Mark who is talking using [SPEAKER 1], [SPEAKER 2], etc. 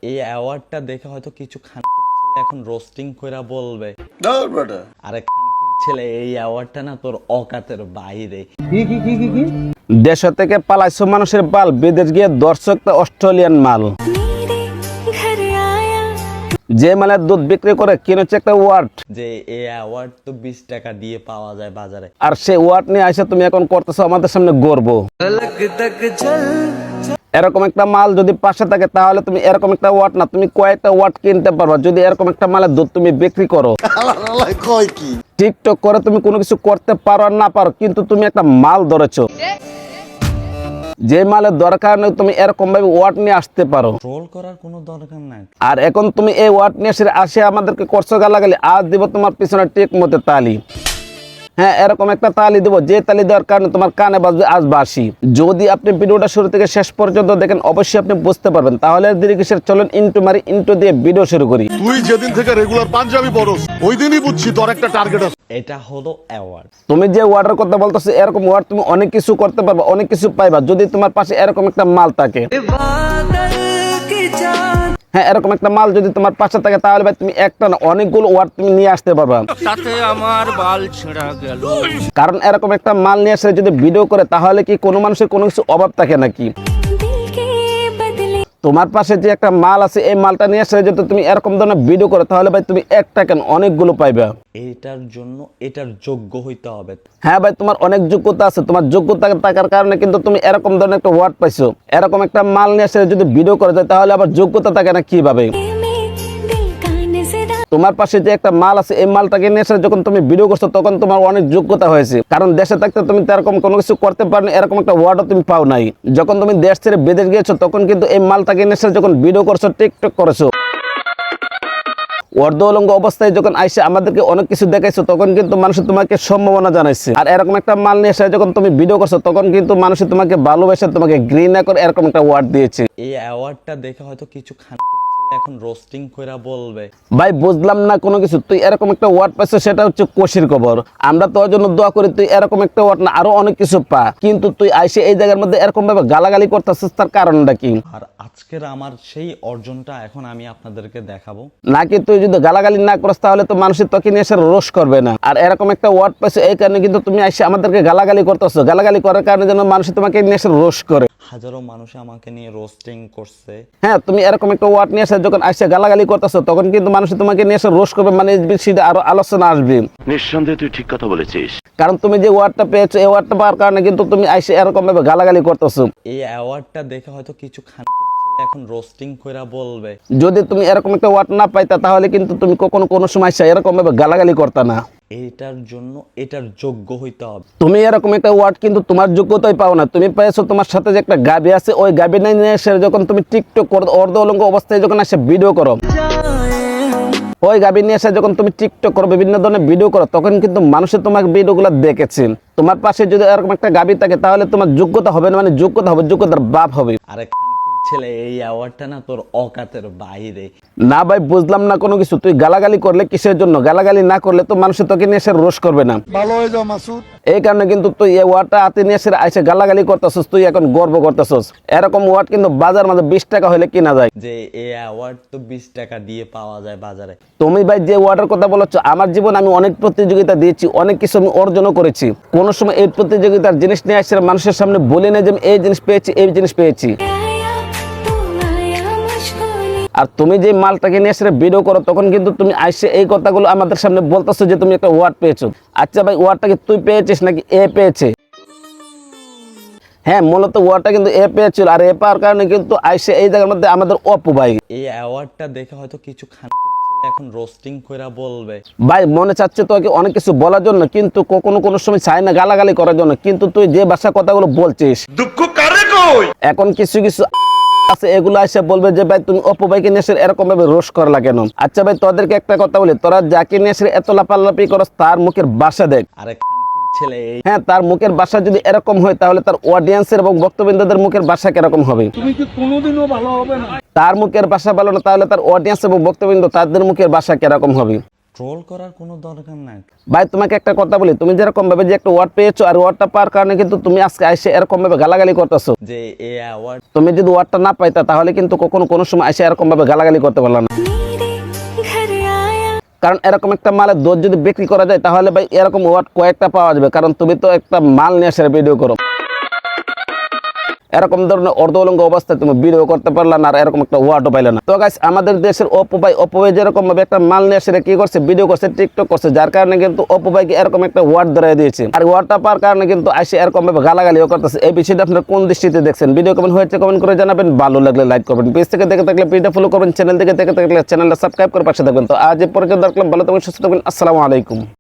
[SPEAKER 1] এই অ্যাওয়ার্ডটা দেখে হয়তো কিছু খানকির ছেলে এখন রোস্টিং কইরা বলবে, আরে খানকির ছেলে এই অ্যাওয়ার্ডটা না তোর অকাতের বাইরে।
[SPEAKER 2] দেশ থেকে পালাইছো মানুষের বাল, বিদেশ গিয়ে দর্শক অস্ট্রেলিয়ান মাল। যে মালের দুধ বিক্রি করে কিনেছে একটা ওয়ার্ড,
[SPEAKER 1] যে এই অ্যাওয়ার্ড তো 20 টাকা দিয়ে পাওয়া যায় বাজারে।
[SPEAKER 2] আর সেই ওয়ার্ড নিয়ে আইসা তুমি এখন করতেছো আমাদের সামনে গর্ব। এরকম একটা মাল যদি পাশে থাকে তাহলে তুমি এরকম একটা ওয়াট না, তুমি কয়েকটা ওয়াট কিনতে পারবা যদি এরকম একটা মালের দুধ তুমি বিক্রি করো। টিকটক করে তুমি কোনো কিছু করতে পারো আর না পারো, কিন্তু তুমি একটা মাল ধরেছো। যে মালের দরকার নেই তুমি এরকম ভাবে ওয়াট নিয়ে আসতে পারো।
[SPEAKER 1] ট্রোল করার কোনো দরকার নাই।
[SPEAKER 2] আর এখন তুমি এই ওয়াট নিয়ে আসে আমাদেরকে করছো গালাগালি। আজ দিব তোমার পিছনে ঠিক মতো তালি। হ্যাঁ, এরকম একটা তালি দেবো যে তালি দেওয়ার কারণে তোমার কানে বাজবে আজ বাসি। যদি আপনি ভিডিওটা শুরু থেকে শেষ পর্যন্ত দেখেন অবশ্যই আপনি বুঝতে পারবেন। তাহলে দেরি কিসের, চলেন ইন্টু মারি, ইন্টু দিয়ে ভিডিও শুরু করি।
[SPEAKER 3] তুই যেদিন থেকে রেগুলার পাঞ্জাবি পরস ওই দিনই বুঝছি তোর একটা টার্গেট আছে।
[SPEAKER 1] এটা হলো অ্যাওয়ার্ড।
[SPEAKER 2] তুমি যে ওয়ার্ডের কথা বলতেছো এরকম ওয়ার্ড তুমি অনেক কিছু করতে পারবা, অনেক কিছু পাইবা যদি তোমার পাশে এরকম একটা মাল থাকে। হ্যাঁ, এরকম একটা মাল যদি তোমার পাশে থাকে তাহলে ভাই তুমি একটা না অনেকগুলো ওয়ার্ড তুমি নিয়ে আসতে পারবা।
[SPEAKER 4] তাতে আমার বাল ছেঁড়া গেল।
[SPEAKER 2] কারণ এরকম একটা মাল নিয়ে আসলে যদি ভিডিও করে তাহলে কি কোনো মানুষের কোনো কিছু অভাব থাকে নাকি? তোমার পাশে যে একটা মাল আছে এই মালটা নিয়ে আসলে যদি তুমি এরকম ধরনের ভিডিও করো তাহলে ভাই তুমি একটা কেন অনেকগুলো পাইবা।
[SPEAKER 1] এটার জন্য এটার যোগ্য হইতে হবে।
[SPEAKER 2] হ্যাঁ ভাই, তোমার অনেক যোগ্যতা আছে। তোমার যোগ্যতা থাকার কারণে কিন্তু তুমি এরকম ধরনের একটা ওয়ার্ড পাইছো। এরকম একটা মাল নিয়ে আসলে যদি ভিডিও করা যায় তাহলে আবার যোগ্যতা থাকে না কিভাবে? তোমার পাশে যে একটা মাল আছে এই মালটাকে নিয়ে এসে যখন তুমি ভিডিও করছো তখন তোমার অনেক যোগ্যতা হয়েছে। কারণ দেশে থাকতে তুমি এরকম কোনো কিছু করতে পারো না, এরকম একটা ওয়ার্ডও তুমি পাও নাই। যখন তুমি দেশ ছেড়ে বিদেশ গিয়েছো তখন কিন্তু এই মালটাকে নিয়ে এসে যখন ভিডিও করছো, টিকটক করেছো, অর্ধ উলঙ্গ অবস্থায় যখন আইসে আমাদেরকে অনেক কিছু দেখাইছো তখন কিন্তু মানুষ তোমাকে সম্ভাবনা জানাইছে। আর এরকম একটা মাল নিয়ে এসে যখন তুমি ভিডিও করছো তখন কিন্তু মানুষ তোমাকে ভালোবেসে তোমাকে ঘৃণা করে এরকম একটা ওয়ার্ড দিয়েছে।
[SPEAKER 1] এই অ্যাওয়ার্ডটা দেখে হয়তো কিছু খানকির ছেলে এখন রোস্টিং কইরা বলবে,
[SPEAKER 2] ভাই বুঝলাম না কোনো কিছু। তুই এরকম একটা ওয়ার্ড পাইছো সেটা হচ্ছে কোষের খবর। আমরা তোর জন্য দোয়া করি তুই এরকম একটা ওয়ার্ড না আরো অনেক কিছু পা, কিন্তু তুই আইসে এই জায়গার মধ্যে এরকম ভাবে গালাগালি করতেছিস, তার কারণটা কি?
[SPEAKER 1] আর আজকের আমার সেই অর্জনটা এখন আমি আপনাদেরকে দেখাবো।
[SPEAKER 2] নাকি তুই যদি গালাগালি না করিস তাহলে তো মানুষের তোকে নিয়ে এসে রোষ করবে না। আর এরকম একটা ওয়ার্ড পাইছো এই কারণে কিন্তু তুমি আইসে আমাদেরকে গালাগালি করতেছো। গালাগালি করার কারণে যেন মানুষ তোমাকে নিয়ে এসে রোষ করে।
[SPEAKER 1] হাজারো মানুষ আমাকে নিয়ে রোস্টিং করছে।
[SPEAKER 2] হ্যাঁ, তুমি এরকম একটা ওয়ার্ড নিয়ে এসে যখন আইসে গালাগালি করতেছো তখন কিন্তু মানুষ তোমাকে নিয়ে এসে রোষ করবে, মানে এই বিষয়ে আরো আলোচনা আসবে।
[SPEAKER 5] নিঃসন্দেহে তুই ঠিক কথা বলেছিস।
[SPEAKER 2] কারণ তুমি যে ওয়ার্ডটা পেয়েছো এই ওয়ার্ডটা পাওয়ার কারণে কিন্তু তুমি আইসে এরকম ভাবে গালাগালি করতেছো।
[SPEAKER 1] এই অ্যাওয়ার্ডটা দেখে হয়তো কিছু খানকির ছেলে এখন রোস্টিং কইরা বলবে,
[SPEAKER 2] যদি তুমি এরকম একটা ওয়ার্ড না পাইতা তাহলে কিন্তু তুমি কখনো কোনো সময় এরকম ভাবে গালাগালি করতা না।
[SPEAKER 1] এইটার জন্য এটার যোগ্য হইতে হবে।
[SPEAKER 2] তুমি এরকম একটা ওয়ার্ড কিন্তু তোমার যোগ্যতাই পাও না। তুমি পেয়েছো তোমার সাথে যে একটা গাবি আছে ওই গাবি নিয়ে এসে যখন তুমি টিকটক করো অর্ধ উলঙ্গ অবস্থায় যখন এসে ভিডিও করো, ওই গাবি নিয়ে এসে যখন তুমি টিকটক করো বিভিন্ন ধরনের ভিডিও করো তখন কিন্তু মানুষের তোমার ভিডিওগুলো দেখেছে। তোমার পাশে যদি এরকম একটা গাবি থাকে তাহলে তোমার যোগ্যতা হবে না, মানে যোগ্যতা হবে যোগ্যতার বাপ হবে।
[SPEAKER 1] আরে খানকির ছেলে এই অ্যাওয়ার্ডটা না তোর অকাতের বাইরে।
[SPEAKER 2] না ভাই, বুঝলাম না কোনো কিছু। তুই গালাগালি করলে কিসের জন্য? গালাগালি না করলে তো মানুষের তোকে নিয়ে এসে রোষ করবে না।
[SPEAKER 3] ভালো হয়ে যাও মাসুদ।
[SPEAKER 2] এই কারণে কিন্তু তুই এই ওয়ার্ডটা হাতে নিয়ে এসে আইসে গালাগালি করতেছস, তুই এখন গর্ব করতেছস। এরকম ওয়ার্ড কিন্তু বাজার মাঝে 20 টাকা হলে কিনা যায়।
[SPEAKER 1] যে এই অ্যাওয়ার্ড তো 20 টাকা দিয়ে পাওয়া যায় বাজারে।
[SPEAKER 2] তুমি ভাই যে ওয়ার্ডের কথা বলছো, আমার জীবন আমি অনেক প্রতিযোগিতা দিয়েছি, অনেক কিছু আমি অর্জনও করেছি। কোন সময় এই প্রতিযোগিতার জিনিস নিয়ে আসলে মানুষের সামনে বলি না যে আমি এই জিনিস পেয়েছি, এই জিনিস পেয়েছি। আর তুমি যে মালটাকে নিয়ে এসে ভিডিও করো তখন কিন্তু তুমি আইসে এই কথাগুলো আমাদের সামনে বলতেছো যে তুমি একটা ওয়ার্ড পেয়েছো। আচ্ছা ভাই, ওয়ার্ডটা কি তুই পেয়েছিস নাকি এ পেয়েছে? হ্যাঁ, মূলত ওয়ার্ডটা কিন্তু এ পেয়েছিল। আর এ পাওয়ার কারণে কিন্তু আইসে এই জায়গার মধ্যে আমাদের অপু ভাই।
[SPEAKER 1] এই অ্যাওয়ার্ডটা দেখে হয়তো কিছু খানকির ছেলে এখন রোস্টিং কইরা বলবে,
[SPEAKER 2] ভাই মনে চাচ্ছে তোকে অনেক কিছু বলার জন্য, কিন্তু কখনো কোনো সময় চাই না গালাগালি করার জন্য। কিন্তু তুই যে ভাষা কথাগুলো বলছিস,
[SPEAKER 3] দুঃখ কারে কই?
[SPEAKER 2] এখন কিছু কিছু আছে এগুলো এসে বলবে যে ভাই তুমি অপু ভাইকে নিয়ে এসে এরকম ভাবে রোষ করা কেন? আচ্ছা ভাই, তোদেরকে একটা কথা বলি, তোরা যাকে নিয়ে এসে এত লাপালাপি করস তার মুখের ভাষা দেখ।
[SPEAKER 1] আরে খানকির ছেলে এই
[SPEAKER 2] হ্যাঁ, তার মুখের ভাষা যদি এরকম হয় তাহলে তার অডিয়েন্সের এবং বক্তবৃন্দদের মুখের ভাষা কিরকম হবে?
[SPEAKER 3] তুমি কি কোনোদিনও ভালো হবে না?
[SPEAKER 2] তার মুখের ভাষা ভালো না তাহলে তার অডিয়েন্স এবং বক্তবৃন্দ তাদের মুখের ভাষা কিরকম হবে?
[SPEAKER 1] ট্রোল করার কোনো দরকার নাই।
[SPEAKER 2] ভাই তোমাকে একটা কথা বলি, তুমি যেরকম ভাবে যে একটা ওয়ার্ড পেয়েছো আর ওয়ার্ডটা পাওয়ার কারণে কিন্তু তুমি আজকে এসে এরকম ভাবে গালাগালি করতেছো।
[SPEAKER 1] যে এই অ্যাওয়ার্ড
[SPEAKER 2] তুমি যদি ওয়ার্ডটা না পাইতা তাহলে কিন্তু কখনো কোনো সময় এসে এরকম ভাবে গালাগালি করতে পারলা না। কারণ এরকম একটা মালের দোষ যদি বিক্রি করা যায় তাহলে ভাই এরকম ওয়ার্ড কয়েকটা পাওয়া যাবে, কারণ তুমি তো একটা মাল নিয়ে এসে ভিডিও করো। এরকম ধরনের অর্ধ উলঙ্গ অবস্থায় তুমি ভিডিও করতে পারলা না আর এরকম একটা ওয়ার্ডও পাইলে না। তো গাইস, আমাদের দেশের অপু ভাই যেরকম ভাবে একটা মাল নিয়ে এসে কি করছে, ভিডিও করছে, টিকটক করছে, যার কারণে কিন্তু অপু ভাইকে এরকম একটা ওয়ার্ড ধরাই দিয়েছে। আর ওয়ার্ডটা পাওয়ার কারণে কিন্তু এসে এরকম ভাবে গালাগালিও করতেছে। এই বিষয়টা আপনারা কোন দৃষ্টিতে দেখছেন? ভিডিও কেমন হয়েছে কমেন্ট করে জানাবেন, ভালো লাগলে লাইক করবেন, পেজ থেকে দেখে থাকলে পেজটা ফলো করবেন, চ্যানেল থেকে দেখে থাকলে চ্যানেলটা সাবস্ক্রাইব করে পাশে থাকবেন। তো আজ এ পর্যন্ত দেখলাম, ভালো থাকবেন, সুস্থ থাকবেন, আসসালামু আলাইকুম।